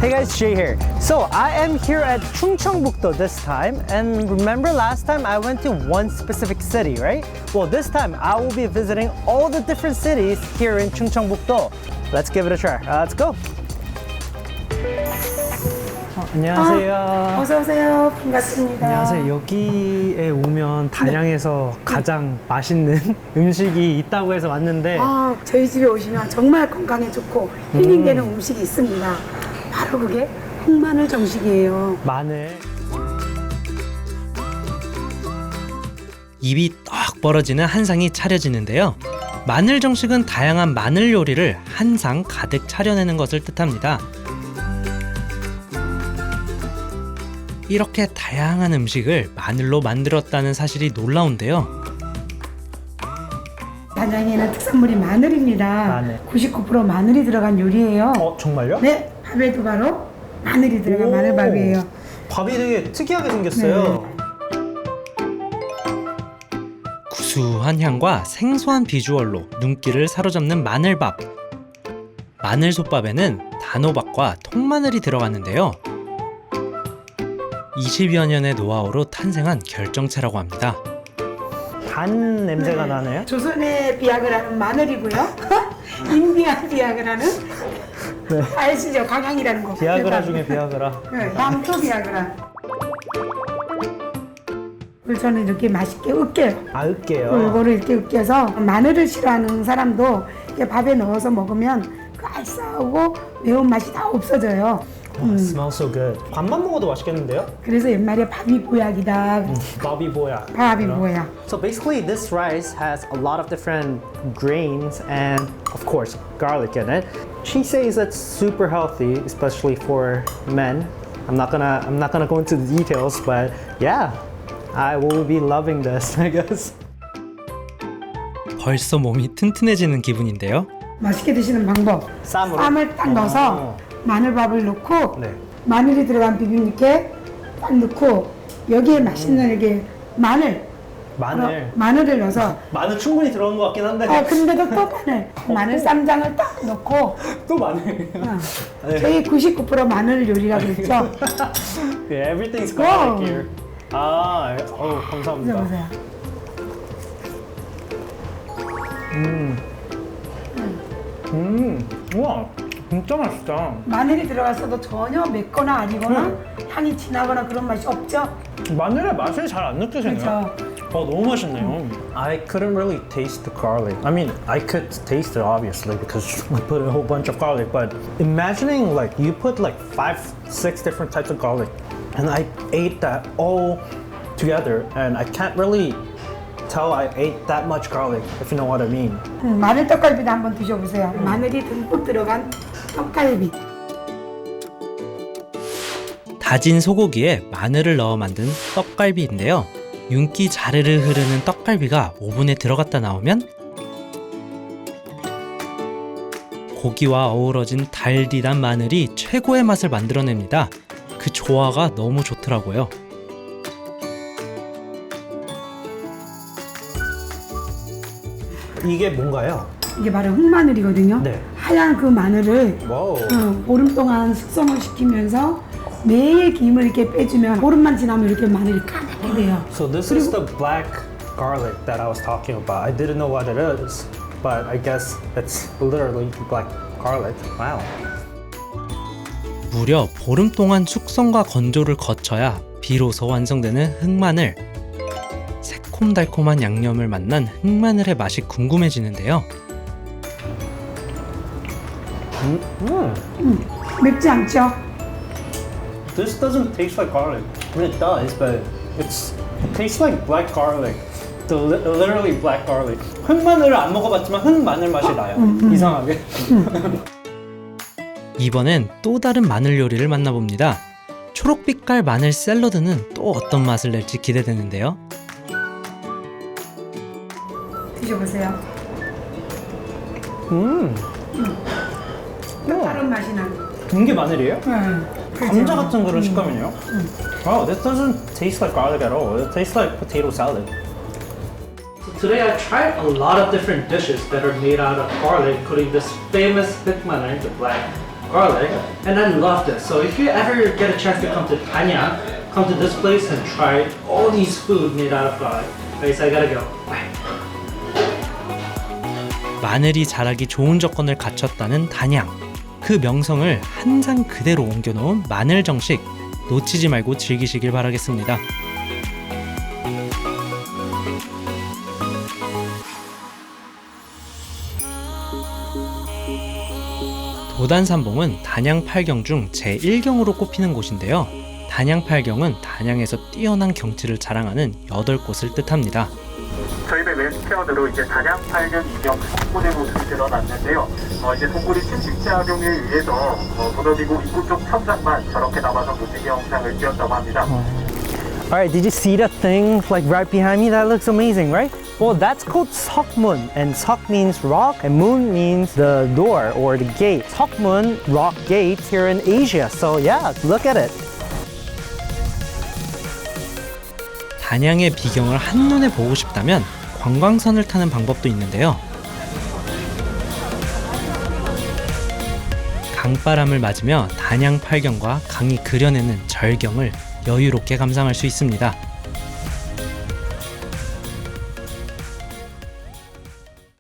Hey guys, Jay here. So I am here at Chungcheongbuk-do this time, and remember last time I went to one specific city, right? Well, this time I will be visiting all the different cities here in Chungcheongbuk-do. Let's give it a try. Let's go. 안녕하세요. 어서 오세요. 반갑습니다. 안녕하세요. 여기에 오면 단양에서 가장 맛있는 음식이 있다고 해서 왔는데 저희 집에 오시면 정말 건강에 좋고 힐링되는 음식이 있습니다. 바로 그게 흑마늘 정식이에요. 마늘. 입이 떡 벌어지는 한상이 차려지는데요. 마늘 정식은 다양한 마늘 요리를 한 상 가득 차려내는 것을 뜻합니다. 이렇게 다양한 음식을 마늘로 만들었다는 사실이 놀라운데요. 단양에는 특산물이 마늘입니다. 마늘. 99% 마늘이 들어간 요리예요. 정말요? 네, 밥에도 바로 마늘이 들어간 마늘밥이에요. 밥이 되게 특이하게 생겼어요. 구수한 향과 생소한 비주얼로 눈길을 사로잡는 마늘밥. 마늘솥밥에는 단호박과 통마늘이 들어갔는데요. 20여 년의 노하우로 탄생한 결정체라고 합니다. 단 냄새가 나네요. 조선의 비약을 하는 마늘이고요. 인디안 비약을 하는 아시죠? 강황이라는 거. 비아그라 중에 비아그라. 네, 남초 비아그라. 그래서 저는 이렇게 맛있게 으깨요. 으깨요. 골고루 이렇게 으깨서 마늘을 싫어하는 사람도 이렇게 밥에 넣어서 먹으면 그 알싸하고 매운맛이 다 없어져요. Smells so good. 밥만 먹어도 맛있겠는데요? 그래서 옛말에 밥이 보약이다. 밥이 보약. 밥이 보약. So basically this rice has a lot of different grains and of course garlic in it. She says it's super healthy, especially for men. I'm not gonna go into the details, but yeah, I will be loving this, I guess. 벌써 몸이 튼튼해지는 기분인데요. 맛있게 드시는 방법. 쌈으로? 쌈을 딱 넣어서 마늘밥을 넣고 네. 마늘이 들어간 비빔육에 딱 넣고 여기에 맛있는 이렇게 마늘을 넣어서 마늘 충분히 들어간 것 같긴 한데. 근데도 또 마늘 쌈장을 딱 넣고 또 마늘. 저희 99% 마늘 요리라고 했죠. Yeah, everything's garlic here. 감사합니다. 드셔보세요. 우와, 진짜 맛있다. 마늘이 들어갔어도 전혀 맵거나 아니거나 향이 진하거나 그런 맛이 없죠. 마늘의 맛을 잘 안 느껴지네요. 그렇죠. 너무 맛있네요. I couldn't really taste the garlic. I mean, I could taste it obviously because I put a whole bunch of garlic, but imagining like you put like 5, 6 different types of garlic and I ate that all together and I can't really tell I ate that much garlic, if you know what I mean. 마늘 떡갈비도 한번 드셔보세요. 마늘이 듬뿍 들어간 떡갈비. 다진 소고기에 마늘을 넣어 만든 떡갈비인데요. 윤기 자르르 흐르는 떡갈비가 오븐에 들어갔다 나오면 고기와 어우러진 달디단 마늘이 최고의 맛을 만들어냅니다. 그 조화가 너무 좋더라고요. 이게 뭔가요? 이게 바로 흑마늘이거든요. 네. 하얀 그 마늘을 와우. 보름 동안 숙성을 시키면서 매일 김을 이렇게 빼주면 보름만 지나면 이렇게 마늘이 까맣게 돼요. So this is the black garlic that I was talking about. I didn't know what it is, but I guess it's literally black garlic. Wow. 무려 보름 동안 숙성과 건조를 거쳐야 비로소 완성되는 흑마늘. 새콤달콤한 양념을 만난 흑마늘의 맛이 궁금해지는데요. 맵지 않죠? This doesn't taste like garlic. I mean, it does, but it tastes like black garlic. Literally black garlic. 흑마늘을 안 먹어봤지만 흑마늘 맛이 나요. 이상하게. 이번엔 또 다른 마늘 요리를 만나봅니다. 초록빛깔 마늘 샐러드는 또 어떤 맛을 낼지 기대되는데요. 드셔보세요. 다른 맛이 나요. 이게 마늘이에요? 그렇죠. 감자 같은 그런 식감이네요. Wow, this doesn't taste like garlic at all. It tastes like potato salad. Today I tried a lot of different dishes that are made out of garlic, including this famous 흑마늘, the black garlic, and I love this. So if you ever get a chance to come to Danyang, come to this place and try all these food made out of garlic. Okay, so I gotta go. Bye. 마늘이 자라기 좋은 조건을 갖췄다는 단양. 그 명성을 한상 그대로 옮겨놓은 마늘 정식. 놓치지 말고 즐기시길 바라겠습니다. 도단산봉은 단양 8경 중 제1경으로 꼽히는 곳인데요. 단양 8경은 단양에서 뛰어난 경치를 자랑하는 8곳을 뜻합니다. 저희들 레스피언으로 이제 단양 8년 2경 석굴의 모습이 드러났는데요. 이제 동굴이 침식제 활용에 의해서 무너지고 입구 쪽 천장만 저렇게 남아서 무지개 영상을 띄었다고 합니다. Alright, did you see that thing like right behind me? That looks amazing, right? Well, that's called Seokmun, and Seok means rock, and Moon means the door or the gate. Seokmun, rock gate here in Asia. So yeah, look at it. 단양의 비경을 한눈에 보고 싶다면 관광선을 타는 방법도 있는데요. 강바람을 맞으며 단양 8경과 강이 그려내는 절경을 여유롭게 감상할 수 있습니다.